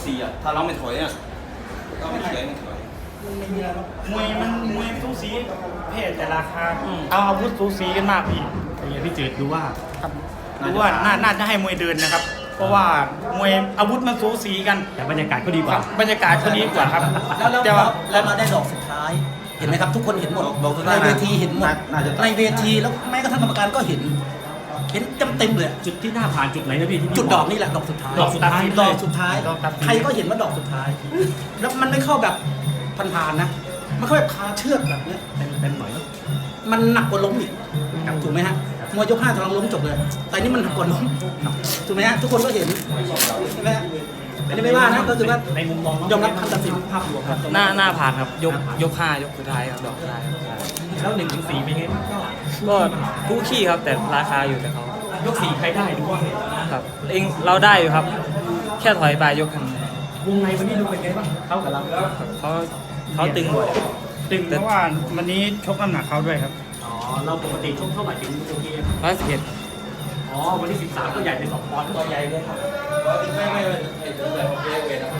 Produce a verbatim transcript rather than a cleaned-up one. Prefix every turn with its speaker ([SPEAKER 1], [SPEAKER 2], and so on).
[SPEAKER 1] สี่อ่ะถ้าเราไม่ถอยอ่ะเราไม่ถอยไม่ถอย
[SPEAKER 2] มวยมันมวยสูสีเพศแต่ราคาเอาอาวุธสูสีกันมากพี่
[SPEAKER 3] อย่างพี่จืดดูว่า
[SPEAKER 2] ครับดูว่าน่าน่าจะให้มวยเดินนะครับ เพราะว่ามวยอาวุธมันสูสีกัน
[SPEAKER 3] แต่บรรยากาศก็ดีกว่า
[SPEAKER 2] บรรยากาศก็ดีกว่าครับ
[SPEAKER 4] แล้วแล้ว
[SPEAKER 2] แต่ว่า
[SPEAKER 4] แล้วมาได้ดอกสุดท้าย เห็นไหมครับทุกคนเห็นหมดในเวทีเห็นหมดในเวทีแล้วแม้กระทั่งกรรมการก็เห็น เห็นเต็มเต็มๆเลย
[SPEAKER 3] จุดที่หน้าผ่านจุดไหนนะพี่ที่พี่
[SPEAKER 4] จุดดอกนี่แหละดอกสุดท้าย
[SPEAKER 3] ดอกสุดท้าย
[SPEAKER 4] ดอกสุดท้าย
[SPEAKER 2] ดอกตัดสิน
[SPEAKER 4] ใครก็เห็นว่าดอกสุดท้าย แล้วมันไม่เข้าแบบผ่านๆนะมันเข้าแบบคาเชือกแบบเนี้ย
[SPEAKER 3] เต็มเต็มหน่อยเนอะ
[SPEAKER 4] มันหนักกว่าล้มอีกถูกไหมฮะมวยยกห้าทะลองล้มจบเลย แต่นี่มันหนักกว่าล้มถูกไหมฮะทุกคนก็เห็นใช่ไหมฮะไม่ได้ไม่ว่านะก็คือว่า
[SPEAKER 3] ในมุมมอง
[SPEAKER 4] ยอมรับคำตัดสินภาพรวมครับ
[SPEAKER 5] หน้าหน้าผ่านครับยกยกห้ายกสุดท้ายครับดอกสุดท้ายครับ
[SPEAKER 3] แล้วหนึ่งถึงสี่เป็นไงบ้างก็
[SPEAKER 5] ก็คู่ขี้ครับแต่ราคาอยู่แต่เขา
[SPEAKER 3] ยกสี่ใครได้ดูว่า
[SPEAKER 5] ครับเองเราได้อยู่ครับ แค่ถอยไปยกทาง
[SPEAKER 3] วงในวันนี้ดูเป็นไงบ้างเข้ากับเรา
[SPEAKER 5] เขาเขาตึงบ่อย
[SPEAKER 2] ตึงเพราะว่าวันนี้ชกน้ำหนักเขาด้วยครับ
[SPEAKER 3] อ๋อเราปกติช่วงเท่าไหร่ถึงโอเค
[SPEAKER 5] ร้อยสิบเอ็ด
[SPEAKER 3] อ๋อวันที่สิบสามก็ใหญ่เป็นสองปอนด์
[SPEAKER 4] ตัวใหญ่เลยครับ
[SPEAKER 1] ไม่ไม่ไม่